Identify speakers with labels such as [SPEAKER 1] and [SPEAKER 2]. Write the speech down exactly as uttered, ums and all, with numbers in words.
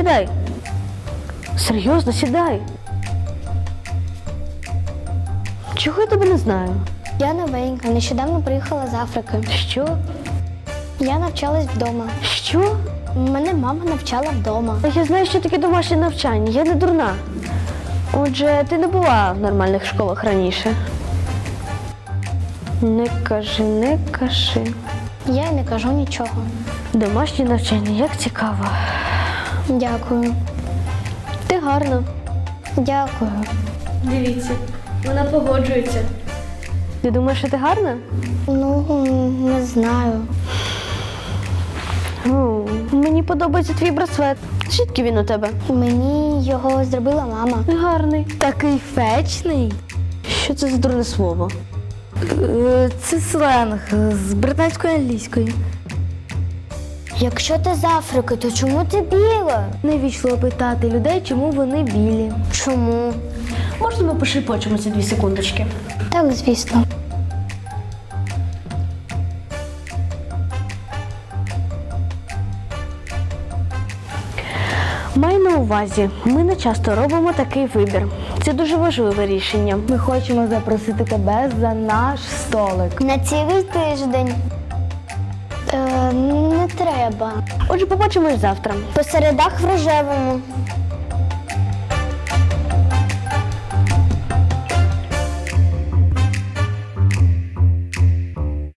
[SPEAKER 1] сідай. Серйозно, сідай. Чого я тебе не знаю?
[SPEAKER 2] Я новенька, нещодавно приїхала з Африки.
[SPEAKER 1] Що?
[SPEAKER 2] Я навчалась вдома.
[SPEAKER 1] Що?
[SPEAKER 2] Мене мама навчала вдома.
[SPEAKER 1] Я знаю, що таке домашнє навчання, я не дурна. Отже, ти не була в нормальних школах раніше. Не кажи, не кажи.
[SPEAKER 2] Я й не кажу нічого.
[SPEAKER 1] Домашнє навчання, як цікаво.
[SPEAKER 2] Дякую.
[SPEAKER 1] Ти гарна.
[SPEAKER 2] Дякую.
[SPEAKER 1] Дивіться, вона погоджується. Ти думаєш, що ти гарна?
[SPEAKER 2] Ну, не знаю.
[SPEAKER 1] О, мені подобається твій браслет. Звідки він у тебе?
[SPEAKER 2] Мені його зробила мама.
[SPEAKER 1] Гарний.
[SPEAKER 3] Такий фечний.
[SPEAKER 1] Що це за дурне слово?
[SPEAKER 3] Е, Це сленг з британської англійської.
[SPEAKER 2] Якщо ти з Африки, то чому ти біла?
[SPEAKER 3] Невічливо питати людей, чому вони білі.
[SPEAKER 2] Чому?
[SPEAKER 1] Можна ми пошепочемося дві секундочки?
[SPEAKER 2] Так, звісно.
[SPEAKER 1] Маю на увазі, ми не часто робимо такий вибір. Це дуже важливе рішення.
[SPEAKER 3] Ми хочемо запросити тебе за наш столик.
[SPEAKER 2] На цілий тиждень. Е, не треба.
[SPEAKER 1] Отже, побачимось завтра.
[SPEAKER 2] По середах в рожевому.